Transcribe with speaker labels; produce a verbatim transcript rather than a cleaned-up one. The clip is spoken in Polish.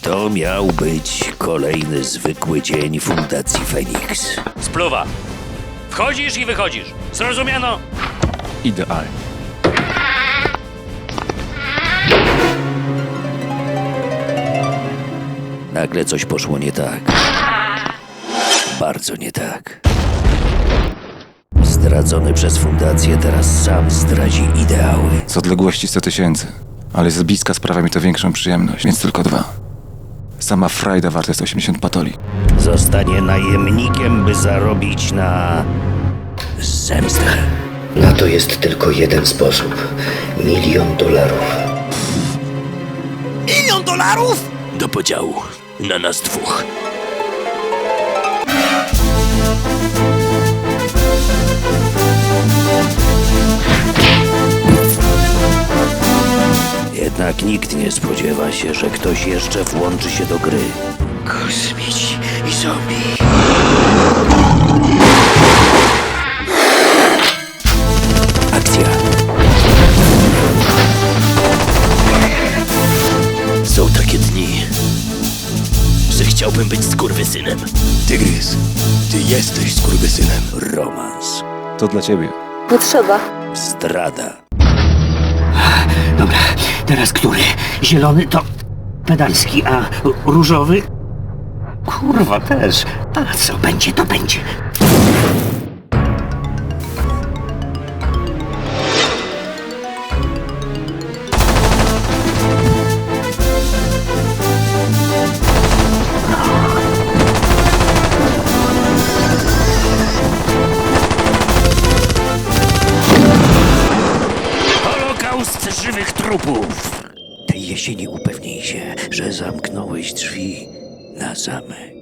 Speaker 1: To miał być kolejny zwykły dzień Fundacji Feniks.
Speaker 2: Spluwa. Wchodzisz i wychodzisz. Zrozumiano?
Speaker 3: Idealnie.
Speaker 1: Nagle coś poszło nie tak. Bardzo nie tak. Zdradzony przez Fundację teraz sam zdradzi ideały.
Speaker 3: Z odległości sto tysięcy. Ale z bliska sprawia mi to większą przyjemność, więc tylko dwa. Sama frajda warta jest osiemdziesiąt patoli.
Speaker 1: Zostanie najemnikiem, by zarobić na zemstę.
Speaker 4: Na to jest tylko jeden sposób. Milion dolarów.
Speaker 1: Milion dolarów? Do podziału. Na nas dwóch. Jednak nikt nie spodziewa się, że ktoś jeszcze włączy się do gry. Kosmici i zombie. Akcja. Są takie dni, że chciałbym być skurwysynem.
Speaker 5: Tygrys, ty jesteś skurwysynem.
Speaker 1: Romans.
Speaker 3: To dla ciebie.
Speaker 6: Nie trzeba.
Speaker 1: Zdrada.
Speaker 7: Dobra, teraz który? Zielony to pedalski, a różowy? Kurwa też. A co będzie, to będzie.
Speaker 1: Holokaust żywych trupów. Tej jesieni upewnij się, że zamknąłeś drzwi na zamek.